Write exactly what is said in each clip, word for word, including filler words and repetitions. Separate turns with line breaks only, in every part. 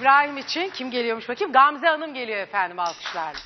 İbrahim için kim geliyormuş bakayım? Gamze Hanım geliyor efendim, alkışlarla.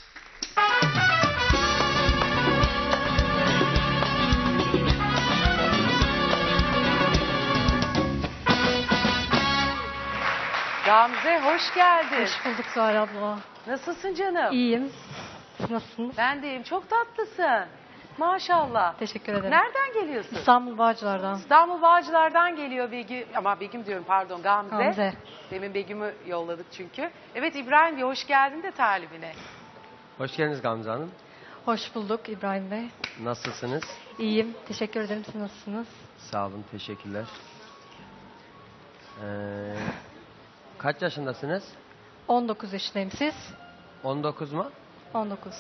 Gamze hoş geldin.
Hoş bulduk Zuhal abla.
Nasılsın canım?
İyiyim. Siz nasılsınız?
Ben de iyiyim. Çok tatlısın. Maşallah.
Teşekkür ederim.
Nereden geliyorsun?
İstanbul Bağcılar'dan.
İstanbul Bağcılar'dan geliyor Begüm. Ama Begüm diyorum, pardon, Gamze.
Gamze.
Demin Begüm'ü yolladık çünkü. Evet İbrahim diye hoş geldin de talibine.
Hoş geldiniz Gamze Hanım.
Hoş bulduk İbrahim Bey.
Nasılsınız?
İyiyim. Teşekkür ederim. Siz nasılsınız?
Sağ olun, teşekkürler. Ee, kaç yaşındasınız?
on dokuz yaşındayım. Siz?
on dokuz mu?
on dokuz.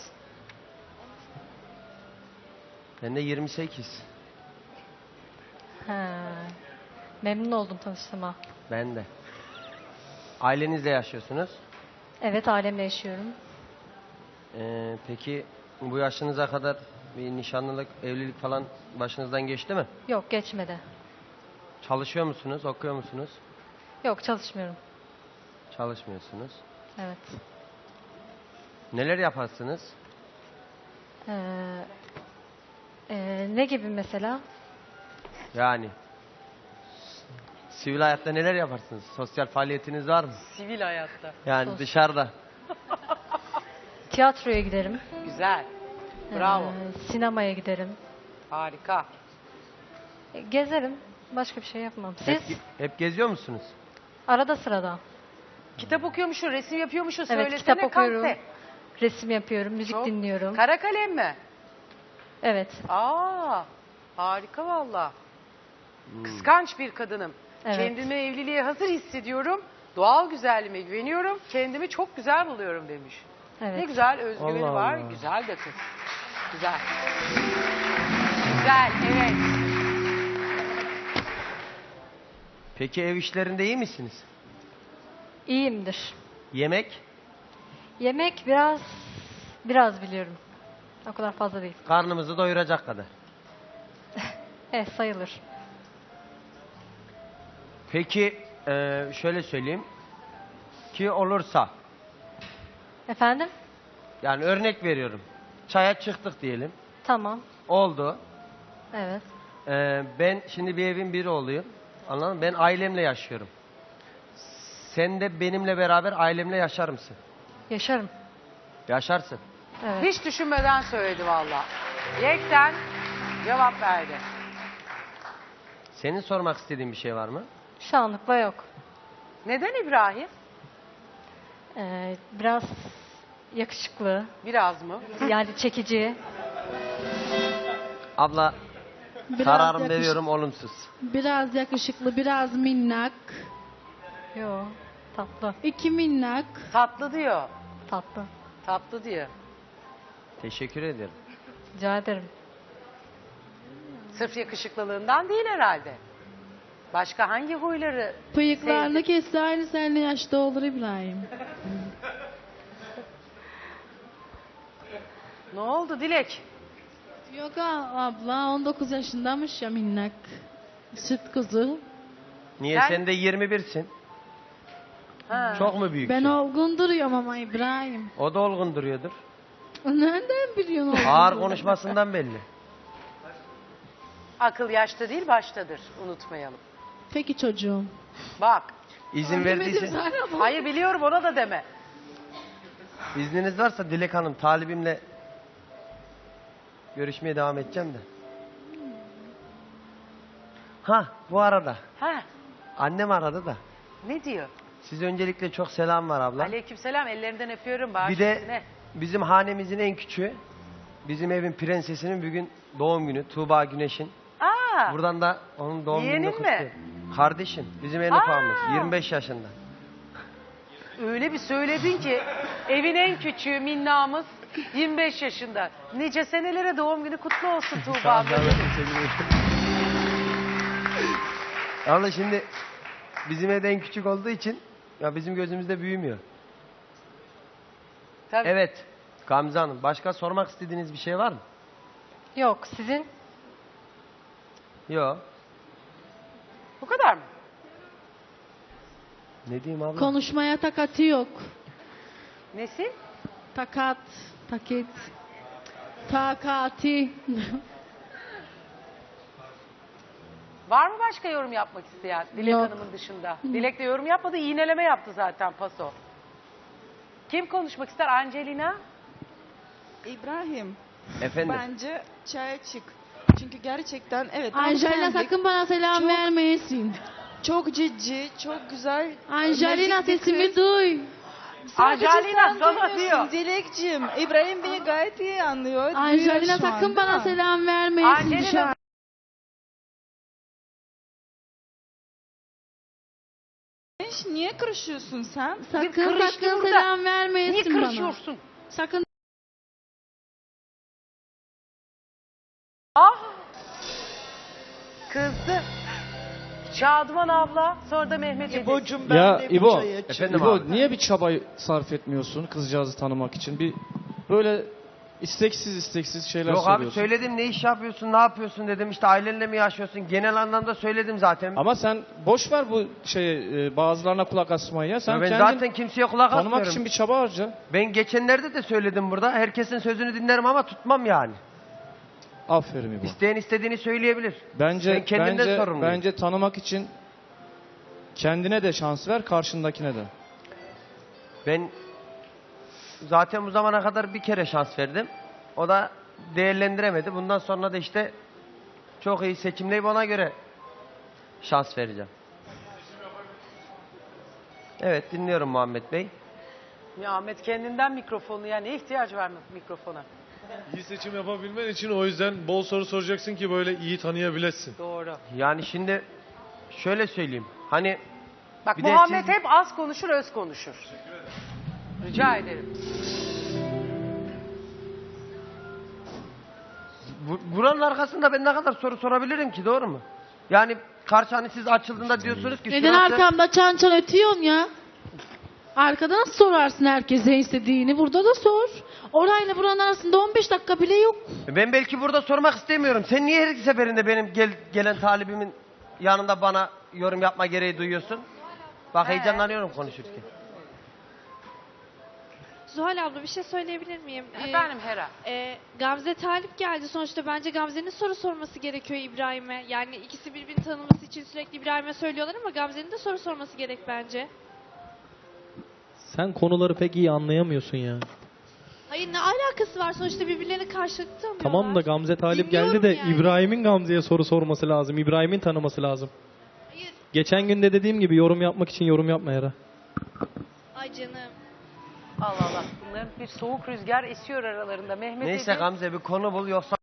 Ben de yirmi sekiz.
He. Memnun oldum tanıştığıma.
Ben de. Ailenizle yaşıyorsunuz.
Evet, ailemle yaşıyorum.
Ee, peki bu yaşınıza kadar bir nişanlılık, evlilik falan başınızdan geçti mi?
Yok, geçmedi.
Çalışıyor musunuz, okuyor musunuz?
Yok, çalışmıyorum.
Çalışmıyorsunuz.
Evet.
Neler yaparsınız?
Ee, e, ne gibi mesela?
Yani sivil hayatta neler yaparsınız? Sosyal faaliyetiniz var mı?
Sivil hayatta.
Yani
Sos-
dışarıda.
Tiyatroya giderim.
Güzel. Bravo.
Ee, sinemaya giderim.
Harika.
E, Gezerim. Başka bir şey yapmam. Siz?
Hep, hep geziyor musunuz?
Arada sırada.
Kitap okuyormuşsun, resim yapıyormuşsun.
Evet,
Söylesene
kitap okuyorum.
Gamze.
Resim yapıyorum, müzik
Çok-
dinliyorum.
Kara kalem mi?
Evet.
Aa, harika valla. Kıskanç bir kadınım.
Evet.
Kendimi evliliğe hazır hissediyorum. Doğal güzelliğime güveniyorum. Kendimi çok güzel buluyorum demiş.
Evet.
Ne güzel özgüveni
Allah
var.
Allah.
Güzel de kız. Güzel. Güzel, evet.
Peki ev işlerinde iyi misiniz?
İyiyimdir.
Yemek,
Yemek biraz biraz biliyorum. O kadar fazla değil.
karnımızı doyuracak kadar.
Evet, sayılır.
Peki eee, şöyle söyleyeyim. Ki olursa,
Efendim?
yani örnek veriyorum. Çaya çıktık diyelim.
Tamam.
Oldu.
Evet.
Eee, ben şimdi bir evin biri oluyorum. Anladın mı? Ben ailemle yaşıyorum. Sen de benimle beraber ailemle yaşar mısın?
Yaşarım.
Yaşarsın.
Evet.
Hiç düşünmeden söyledi valla. Yekten cevap verdi.
Senin sormak istediğin bir şey var mı?
Şu anlıkla yok.
Neden İbrahim?
Ee, biraz yakışıklı.
Biraz mı?
Yani çekici.
Abla,
Biraz
kararımı
yakış-
veriyorum olumsuz.
Biraz yakışıklı, biraz minnak.
Yo. Tatlı.
İki minnak.
Tatlı diyor.
Tatlı.
Tatlı diyor.
Teşekkür ederim.
Rica ederim.
Sırf yakışıklılığından değil herhalde. Başka hangi huyları?
Bıyıklarını
Sevdim.
kesse aynı seninle yaşta olur İbrahim.
Ne oldu Dilek?
Yok a- abla on dokuz yaşındamış ya minnak. Süt kuzu.
Niye
Ben-
sen de yirmi birsin?
Ha.
Çok mu büyük?
Ben olgun duruyorum ama İbrahim.
O da olgun duruyordur.
Nereden biliyorsun olgun
Ağır
durduğunu?
konuşmasından belli.
Akıl yaşta değil baştadır. Unutmayalım.
Peki çocuğum.
Bak.
İzin
Demedim
verdiyse,
sana ama.
Hayır biliyorum, ona da deme.
izniniz varsa Dilek Hanım, talibimle görüşmeye devam edeceğim de. Ha, bu arada
Ha,
annem aradı da.
ne diyor?
Size öncelikle çok selam var abla.
Aleykümselam, ellerinden öpüyorum. Bağış
Bir de
üstüne.
bizim hanemizin en küçüğü, bizim evin prensesinin bugün doğum günü, Tuğba Güneş'in.
Aa,
Buradan da onun doğum
Yeğenin
gününü
mi?
kutluyorum. Kardeşim, bizim en
Aa!
ufağımız, yirmi beş yaşında.
öyle bir söyledin ki evin en küçüğü minnamız yirmi beş yaşında. Nice senelere doğum günü kutlu olsun Tuğba abla.
Abla şimdi bizim evde en küçük olduğu için ya bizim gözümüzde büyümüyor.
Tabii.
Evet Gamze Hanım, başka sormak istediğiniz bir şey var mı?
Yok. Sizin?
Yok.
Bu kadar mı?
Ne diyeyim abla?
Konuşmaya takatı yok.
Nesi?
Takat, takit, takati.
Var mı başka yorum yapmak isteyen Dilek
Yok.
Hanım'ın dışında? Dilek de yorum yapmadı, iğneleme yaptı zaten paso. Kim konuşmak ister? Angelina?
İbrahim,
Efendim.
bence çaya çık. Çünkü gerçekten evet tam
Angelina
sendik.
sakın bana selam
Çok-
vermeyesin.
Çok ciddi, çok güzel.
Angelina
nazik bir
sesimi
kız.
duy.
Sadece
Angelina
sen
sana
duymuyorsun
diyor.
Dilekciğim. İbrahim beni gayet iyi anlıyor. duyuyor
Angelina
şu an,
sakın bana
değil mi?
selam vermeyesin
Angelina-
dışarı.
Niye karışıyorsun sen?
Sakın
kırıştı
sakın
burada.
selam
Niye
vermeyesin bana.
kırışıyorsun?
Sakın.
Ah! Kızdı. Şadıman abla, sonra da Mehmet Edip.
İbo'cum ben
Ya
de bu
İbo,
çaya çık.
Efendim
İbo
abi.
niye bir çaba sarf etmiyorsun kızcağızı tanımak için? Bir böyle isteksiz isteksiz şeyler
Yok abi
soruyorsun.
söyledim ne iş yapıyorsun, ne yapıyorsun dedim. İşte ailenle mi yaşıyorsun? Genel anlamda söyledim zaten.
Ama sen boş ver bu şeyi, e, bazılarına kulak asmayı ya. Sen
ben
kendin
zaten kimseye kulak
tanımak
asmıyorum.
için bir çaba harca.
Ben geçenlerde de söyledim burada. Herkesin sözünü dinlerim ama tutmam yani.
Aferin İbo.
İsteyen istediğini söyleyebilir.
Bence
Ben kendimden
bence
sorumluyum.
bence tanımak için kendine de şans ver, karşındakine de.
Ben zaten bu zamana kadar bir kere şans verdim. O da değerlendiremedi. Bundan sonra da işte çok iyi seçimleyip ona göre şans vereceğim. Evet dinliyorum Muhammed Bey.
Ya Ahmet kendinden mikrofonu, yani ne ihtiyaç var mı mikrofona?
İyi seçim yapabilmen için o yüzden bol soru soracaksın ki böyle iyi tanıyabilesin.
Doğru.
Yani şimdi şöyle söyleyeyim. Hani
Bak
Bir de
Muhammed
siz-
hep az konuşur, öz konuşur. Rica ederim.
bu- buranın arkasında ben ne kadar soru sorabilirim ki, doğru mu? Yani karşı hani siz açıldığında diyorsunuz ki
Neden
şurası-
arkamda çan çan ötüyorsun ya? Arkada nasıl sorarsın herkese istediğini? Burada da sor. Orayla buranın arasında on beş dakika bile yok.
Ben belki burada sormak istemiyorum. Sen niye her seferinde benim gel, gelen talibimin yanında bana yorum yapma gereği duyuyorsun? Bak heyecanlanıyorum konuşurken.
Zuhal abla bir şey söyleyebilir miyim? Ee,
Efendim Hera.
e, Gamze talip geldi. Sonuçta bence Gamze'nin soru sorması gerekiyor İbrahim'e. Yani ikisi birbirini tanıması için sürekli İbrahim'e söylüyorlar ama Gamze'nin de soru sorması gerek bence.
Sen konuları pek iyi anlayamıyorsun ya.
Hayır ne alakası var? Sonuçta birbirlerini karşılıklı tanıyorlar.
Tamam da Gamze talip geldi
Dinliyorum
de
yani.
İbrahim'in Gamze'ye soru sorması lazım. İbrahim'in tanıması lazım.
Hayır.
Geçen gün de dediğim gibi yorum yapmak için yorum yapma Hera.
Ay canım.
Allah Allah. Bunların bir soğuk rüzgar esiyor aralarında. Mehmet
Neyse
Edip.
Gamze bir konu bul yoksa...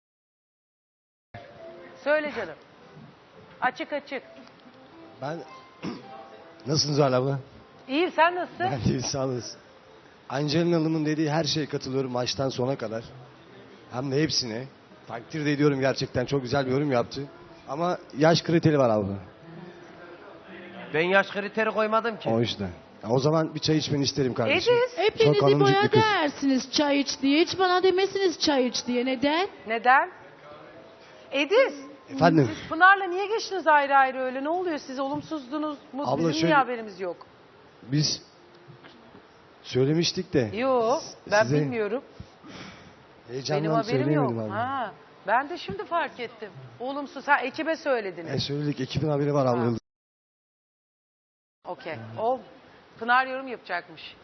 Söyle canım. Açık açık.
Ben... Nasılsınız Zuhal abla?
İyiyim, sen nasılsın?
Ben de sağ olasın. Angelina Hanım'ın dediği her şeye katılıyorum baştan sona kadar. Hem de hepsine. Takdir de ediyorum gerçekten. Çok güzel bir yorum yaptı. Ama yaş kriteri var abla.
Ben yaş kriteri koymadım ki.
O yüzden. Ya o zaman bir çay içmeni isterim kardeşim.
Ediz.
Hepiniz
Çok hanımcık
İbo'ya
bir kız.
dersiniz çay iç diye. Hiç bana demesiniz çay iç diye. Neden?
Neden? Ediz.
Efendim?
Siz Pınar'la niye geçtiniz ayrı ayrı öyle? Ne oluyor? Siz olumsuzdunuz mu?
Abla
Bizim
şöyle-
niye haberimiz yok?
Biz söylemiştik de.
Yo, ben
Size
bilmiyorum. Benim
Heyecandan
haberim
söyleyemedim
yok.
abla.
Ha, ben de şimdi fark ettim. Olumsuz. Ha, ekibe söylediniz.
E söyledik. Ekibin haberi var abla.
Ha. Okey. O Pınar yorum yapacakmış.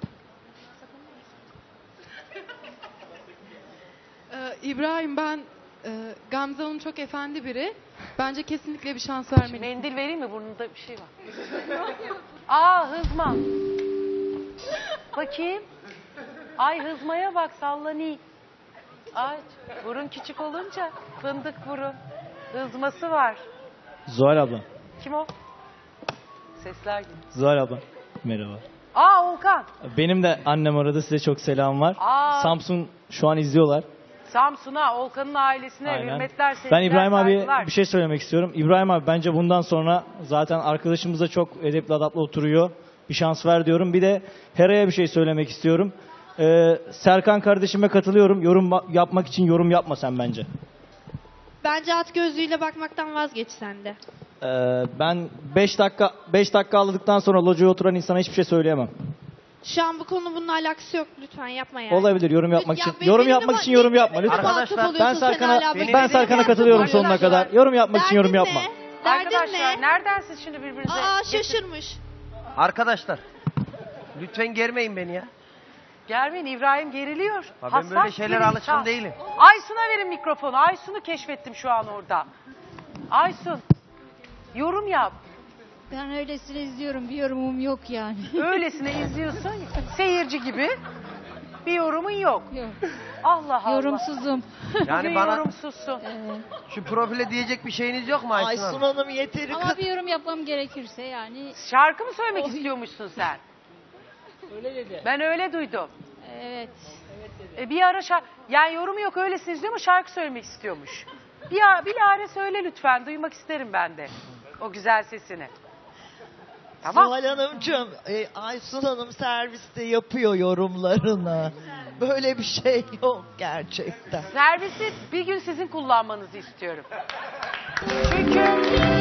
Ee, İbrahim ben e, Gamze Hanım çok efendi biri. Bence kesinlikle bir şans vermelisin.
Mendil vereyim mi? Burnunda bir şey var. Aa, hızma. Bakayım. Ay hızmaya bak, sallani. Ay, burun küçük olunca fındık burun. Hızması var.
Zuhal abla.
Kim o? Sesler gibi.
Zuhal abla. Merhaba.
Aa, Volkan.
Benim de annem aradı, size çok selam var.
Aa.
Samsun şu an izliyorlar.
Samsun'a, Volkan'ın ailesine
Aynen.
hürmetler, sevgiler,
Ben İbrahim abi
saygılar.
bir şey söylemek istiyorum. İbrahim abi bence bundan sonra zaten arkadaşımız da çok edepli adaplı oturuyor. Bir şans ver diyorum. Bir de Hera'ya bir şey söylemek istiyorum. Ee, Serkan kardeşime katılıyorum. Yorum ba- yapmak için yorum yapma sen bence.
Bence at gözlüğüyle bakmaktan vazgeç sen de.
Ee, ben beş dakika beş dakika ağladıktan sonra locaya oturan insana hiçbir şey söyleyemem.
Şu an bu konu bununla alakası yok. Lütfen yapma yani.
Olabilir yorum yapmak
Ya
için.
benim
Yorum
de
yapmak
ma-
için yorum
benim
yapma
de
lütfen.
Arkadaşlar,
muhatap
Ben
oluyorsun sen
Serkan'a
hala.
ben
Benim de
Serkan'a
muhatap
katılıyorum
oluyorsun.
sonuna kadar. Yorum yapmak için yorum
Derdin
yapma.
ne? Derdin
Arkadaşlar
ne?
nereden siz şimdi birbirinize...
Aa
getir-
şaşırmış.
Arkadaşlar lütfen germeyin beni ya.
Germeyin, İbrahim geriliyor.
Ha, ben
Hassas
böyle şeylere
bir
alışkın
insan.
değilim.
Aysun'a verin mikrofonu. Aysun'u keşfettim şu an orada. Aysun, yorum yap.
Ben öylesine izliyorum. Bir yorumum yok yani.
Öylesine izliyorsun, seyirci gibi. Bir yorumun yok.
Yok.
Allah Allah.
Yorumsuzum.
Yani
Bugün
bana
yorumsuzsun.
Evet.
şu profile diyecek bir şeyiniz yok mu Aysun Hanım?
Hanım yeteri
Ama bir yorum yapmam gerekirse yani.
Şarkı mı söylemek istiyormuşsun sen?
Öyle dedi.
Ben öyle duydum.
Evet.
E bir ara şarkı... Yani yorumu yok öylesine izliyor ama şarkı söylemek istiyormuş. Bir, a- bir lare söyle lütfen. Duymak isterim ben de. O güzel sesini. Tamam.
Zuhal Hanımcığım, e, Aysun Hanım serviste yapıyor yorumlarını. Böyle bir şey yok gerçekten.
Servisi bir gün sizin kullanmanızı istiyorum. Çünkü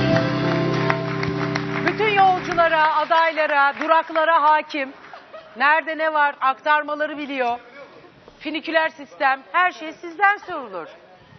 bütün yolculara, adaylara, duraklara hakim. Nerede ne var aktarmaları biliyor. Finiküler sistem, her şey sizden sorulur.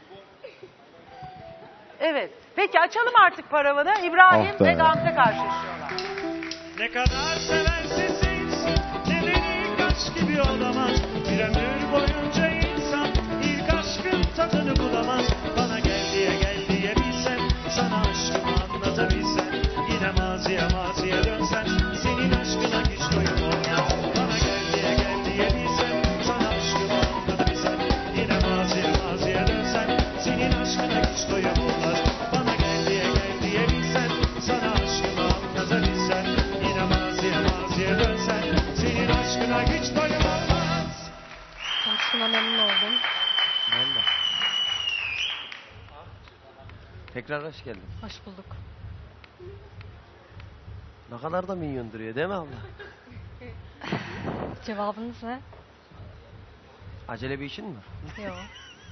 Evet. Peki açalım artık paravanı. İbrahim
Ah be.
ve Gamze karşılaşıyorlar.
Ne kadar severse sevsin, nedeni ilk aşk gibi olamaz. Bir ömür boyunca insan ilk aşkın tadını bulamaz. Bana gel diye gel diye bilsen, sana aşkımı anlatabilsen. Yine maziye maziye dönsen, senin aşkına hiç doyum olmaz. Bana gel diye gel diye bilsen, sana aşkımı anlatabilsen. Yine maziye maziye dönsen, senin aşkına hiç doyum olmaz. Bana gel diye gel diye bilsen, sana aşkımı anlatabilsen. Yine maziye maziye dönsen, senin aşkına hiç doyum olmaz.
Tanıştığıma memnun oldum.
Ben de. Tekrar hoş geldin.
Hoş bulduk.
Ne kadar da minyon duruyor değil mi abla?
Cevabınız ne?
Acele bir işin mi var?
Yok.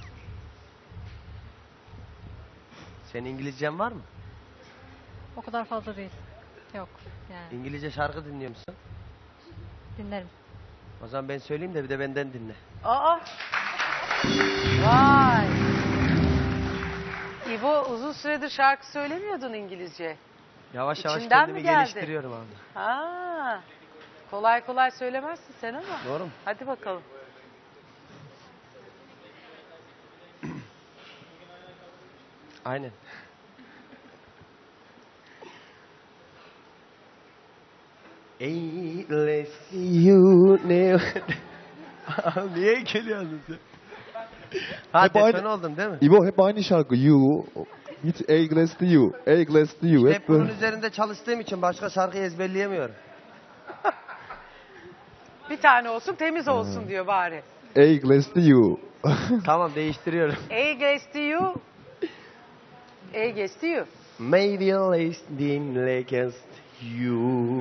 Senin İngilizcen var mı?
O kadar fazla değil. Yok. Yani
İngilizce şarkı dinliyor musun?
dinlerim.
O zaman ben söyleyeyim de bir de benden dinle.
Aa. Vay. İbo uzun süredir şarkı söylemiyordun İngilizce.
Yavaş yavaş
İçinden mi
kendimi
geldi?
geliştiriyorum abla.
Ha. Kolay kolay söylemezsin sen ama.
Doğru mu?
Hadi bakalım.
Aynen. Ey let's see you never... Niye geliyorsun sen? Ha
Hep aynı-
defen oldum değil mi?
İbo hep aynı şarkı. You. Hiç A glass to you. A glass to you.
İşte
Hep
hep bunun
böyle.
üzerinde çalıştığım için başka şarkıyı ezberleyemiyorum.
Bir tane olsun temiz olsun diyor bari.
A glass to you.
Tamam değiştiriyorum.
A gets to you. A gets to you.
Maybe less than against you.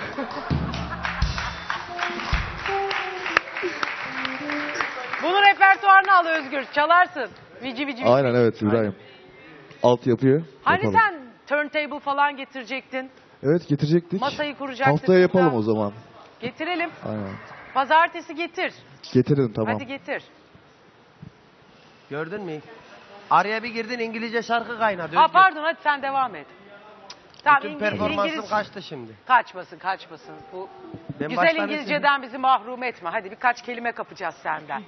Bunun repertuarını al Özgür. Çalarsın. Vici vici vici.
Aynen evet İbrahim. Alt yapıyor.
Hani
Yapalım.
sen turntable falan getirecektin.
Evet getirecektik.
Masayı kuracaktık.
Haftaya yapalım
burada.
o zaman.
Getirelim.
Aynen.
Pazartesi getir.
Getirin tamam.
Hadi getir.
Gördün mü? Araya bir girdin İngilizce şarkı kaynadı.
Ha
Özgür.
pardon hadi sen devam et. Tamam
Bütün
İngiliz,
performansım
İngiliz...
kaçtı şimdi.
Kaçmasın kaçmasın. Bu
Ben
güzel
baştan
İngilizceden bizi mahrum etme. Hadi birkaç kelime kapacağız senden.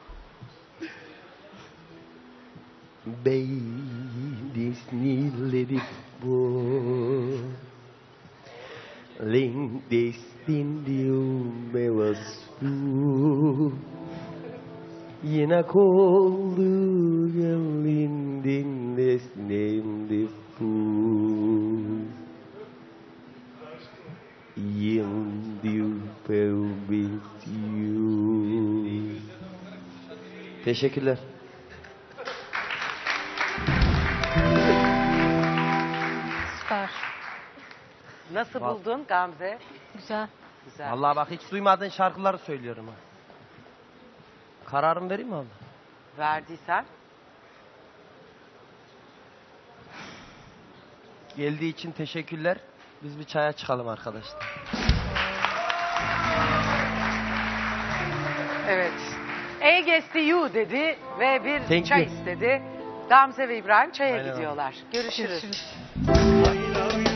Baby snilledik bu Ling destindium bevasu Yine koldu gelindin desnemdi fu Yıldiu pelbisiu Teşekkürler.
Süper.
Nasıl
Vallahi-
buldun Gamze?
Güzel.
Güzel.
Vallahi bak hiç duymadığın şarkıları söylüyorum ha. Kararımı vereyim mi abla?
Verdiysen.
Geldiği için teşekkürler. Biz bir çaya çıkalım arkadaşlar.
Evet. Against you dedi ve bir
Thank
çay
you.
istedi. Gamze ve İbrahim çaya
Aynen.
gidiyorlar. Görüşürüz.
Görüşürüz.
I love you.